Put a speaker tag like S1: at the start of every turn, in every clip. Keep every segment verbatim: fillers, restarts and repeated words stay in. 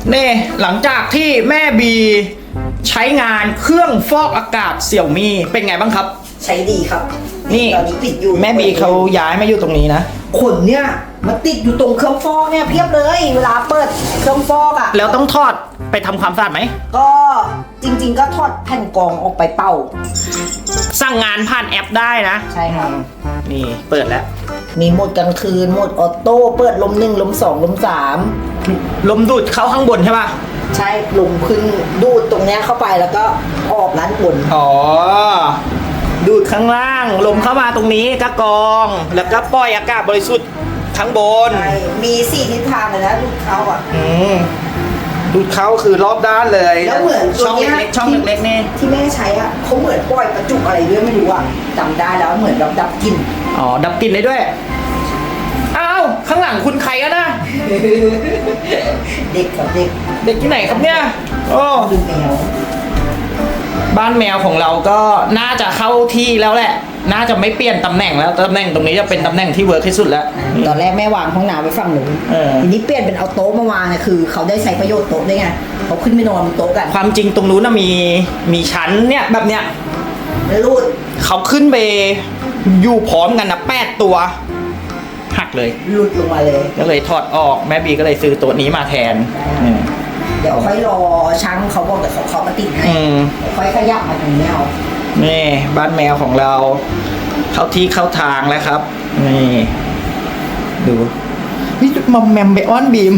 S1: เน่หลังจากที่แม่บีใช้งานเครื่องฟอกอากาศเสี่ยวมี่เป็นไงบ้างครับ
S2: ใช้ดีครับ
S1: นี่
S2: ตอนนี้ปิดอยู่
S1: แม่บีเขาย้ายมาอยู่ตรงนี้นะ
S2: ขนเนี่ยมาติดอยู่ตรงเครื่องฟอกเนี่ยเพียบเลยเวลาเปิดเครื่องฟอกอ่ะ
S1: แล้วต้องทอดไปทำความสะอาดไหม
S2: ก็จริงๆก็ทอดแผ่นกรองออกไปเป่า
S1: สั่งงานผ่านแอปได้นะ
S2: ใช่ครับ
S1: นี่เปิดแล้ว
S2: มีโหมดกลางคืนโหมดออโต้เปิดลมหนึ่งลมสองลมสาม
S1: ลมดูดเข้าข้างบนใช่ป่ะ
S2: ใช่ลมขึ้นดูดตรงเนี้ยเข้าไปแล้วก็ออกด้านบน
S1: อ๋อดูดข้างล่างลมเข้ามาตรงนี้ก็กรองแล้วก็ปล่อยอากาศบริสุทธิ์ข้างบน
S2: ใช่มีสี่ทิศทางเลยนะดูดเข้าอ่ะ
S1: อืมดูดเข้าคือรอบด้านเลย
S2: แล้วเหมือน
S1: ช่องเล็กๆช่องเล็กๆนี่
S2: ที่แม่ใช้อ่ะเขาเหมือนปล่อยประจุอะไรด้วยไม่รู้อ่ะจำได้แล้วเหมือนแบบดับกลิ่น
S1: อ๋อดับกลิ่นได้ด้วยอ้าวข้างหลังคุณใครกันนะ
S2: เด็กกับเด็ก
S1: เด็กที่ไหนครับเนี่ยโอ้
S2: ดูแมว
S1: บ้านแมวของเราก็น่าจะเข้าที่แล้วแหละน่าจะไม่เปลี่ยนตำแหน่งแล้วตำแหน่งตรงนี้จะเป็นตำแหน่งที่เวิร์กที่สุดแล้ว
S2: ตอนแรกแม่วางห้องน้ำไว้ฝั่งหนูทีนี้เปลี่ยนเป็นเอาโต๊ะมาวางเนี่ยคือเขาได้ใช้ประโยชน์โต๊ะได้ไงเขาขึ้นไปนอนบนโต๊ะกัน
S1: ความจริงตรงนู้นน่ะมีมีชั้นเนี่ยแบบเนี้ย
S2: รูด
S1: เขาขึ้นไปอยู่พร้อมกันนะแปดตัวหักเลย
S2: หลุดลงมาเลย
S1: ก็เลยถอดออกแม่บีก็เลยซื้อตัวนี้มาแทน
S2: เดี๋ยวค่อยรอช่างเขาบอกเดี๋ยวเขาเขามาติดให้ค่อยขยับมาตรงนี้เอา
S1: นี่บ้านแมวของเราเข้าที่เข้าทางแล้วครับนี่ดูนี่มอมแมมไปอ้อนบีม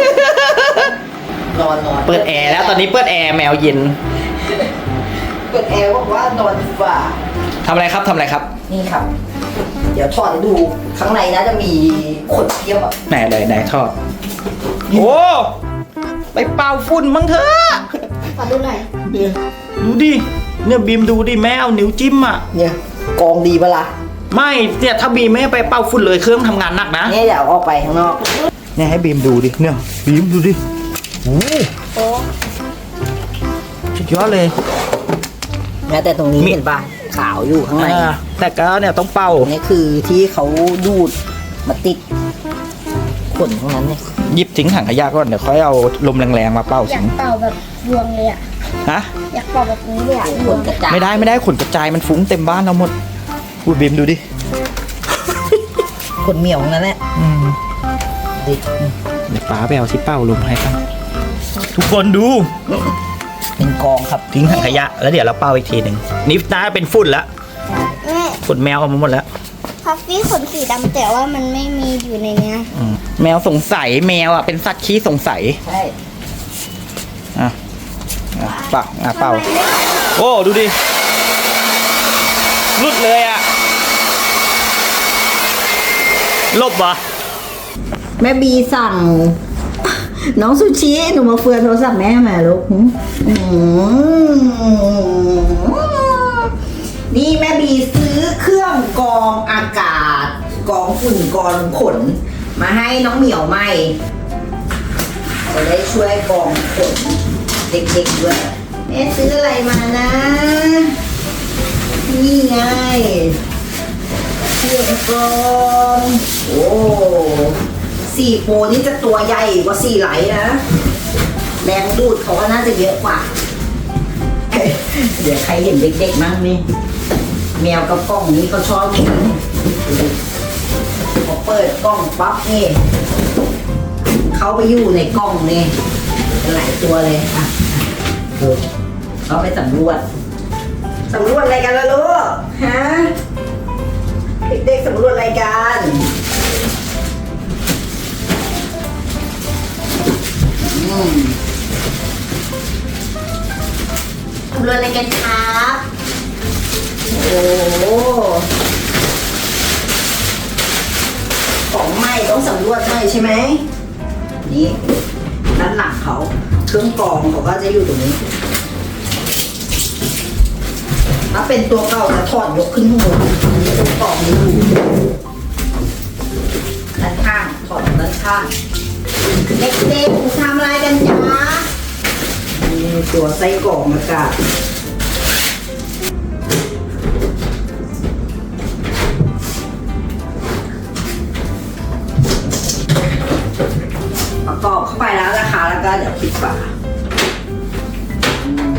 S2: นอนนอน
S1: เปิดแอร์แล้วตอนนี้เปิดแอร์แมวเย็น
S2: เปิดแอร์บอกว่านอนดีกว่า
S1: ทำอะไรครับทำอะไรครับ
S2: นี่ครับเดี๋ยวถอดให้ดูข้างในนะจะมีขนเทียบอ่ะ
S1: ไหนไหนไหนทอดโอ้ไปเป่าฝุ่นมั้งเถอะ
S2: ขอดูหน่อย
S1: เดี๋ยวดูดิเนี่ยบีมดูดิแม่เอานิ้วจิ้มอ่ะ
S2: เนี่ยกองดีปะล่ะ
S1: ไม่เนี่ยถ้าบีมไม่ไปเป่าฝุ่นเลยเครื่องทำงานหนักนะ
S2: เนี่ยเดี๋ยวออกไปข้างนอก
S1: เนี่ยให้บีมดูดิเนี่ยบีมดูดิโอ้โหสุดยอดเลย
S2: แม้แต่ตรงนี้เห็นป่ะขาวอยู่ข้างใน
S1: แต่ก็เนี่ยต้องเป่า
S2: นี่คือที่เขาดูดมาติดขนตรงนั้นเนี่ย
S1: หยิบทิ้งถังขยะก่อนเดี๋ยวค่อยเอาลมแรงๆมาเป่า
S3: อยากเป่าแบบรวงเลยอ่ะ
S1: ฮะ
S3: อยากเป่าแบบนี้เลยอ่ะ
S2: ขนกระจาย
S1: ไม่ได้ไม่ได้ขนกระจายมันฟุ้งเต็มบ้านเราหมดพูดบีมดูดิ
S2: ขนเหมียวนั่นแหละ
S1: อืม
S2: ดิ
S1: เดี๋ยวป้าไปเอาที่เป่าลมให้กันทุกคนดู
S2: เป็นกองครับ
S1: ทิ้งถังขยะแล้วเดี๋ยวเราเป่าอีกทีหนึ่งนี่น่าเป็นฝุ่นละฝุ่นแมวออกมาหมดแล้ว
S3: พัฟฟี่ขนสีดำแต่ว่ามันไม่มีอยู่ในเนี้ย
S1: แมวสงสัยแมวอ่ะเป็นสัตว์ขี้สงสัย
S2: ใช่
S1: อ่ะเป่าอ่ะเป่าโอ้ดูดิรุดเลยอ่ะลบวะ
S2: แม่บีสั่งน้องซูชิหนูมาเฟือนโทรศัพท์แม่มาลูกนี่แม่บีซื้อเครื่องกรองอากาศกรองฝุ่นกรองขนมาให้น้องเหมียวใหม่จะได้ช่วยกรองขนเด็กๆด้วยแม่ซื้ออะไรมานะนี่ไงเครื่องกรองโอ้สี่โปรนี่จะตัวใหญ่กว่าสี่ไหลนะแรงดูดเขาก็น่าจะเยอะกว่าเดี๋ยวใครเห็นเด็กๆมั้งนี่แมวกับกล้องนี้เขาชอบกินพอเปิดกล้องปั๊บนี่เขาไปอยู่ในกล้องนี่หลายตัวเลยอ่ะดูเขาไปสำรวจสำรวจอะไรกันล่ะลูกฮะเด็กๆสำรวจอะไรกันสำรวจอะไรกันครับโอ้ของใหม่ต้องสำรวจหน่อยใช่ไหมนี่ด้านหลังเขาเครื่องกรองเขาก็จะอยู่ตรงนี้ถ้าเป็นตัวเก่าจะถอดยกขึ้นข้างบนเครื่องกรองนี้อยู่ด้านข้างถอดด้านข้างเด็กๆทำอะไรกันจ๊ะนี่ตัวไส้กรองอากาศประกอบเข้าไปแล้วนะคะแล้วก็เดี๋ยวปิดฝาอืม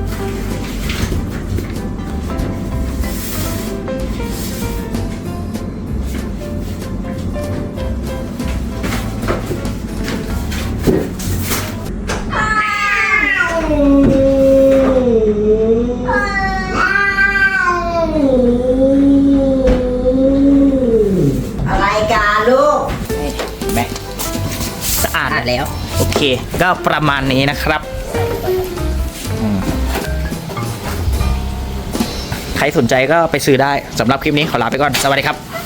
S2: อะไรกันลูก
S1: เห็นไหมสะอาด
S2: อ่านแล้ว
S1: โอเค ก็ประมาณนี้นะครับอืมใครสนใจก็ไปซื้อได้สำหรับคลิปนี้ขอลาไปก่อน สวัสดีครับ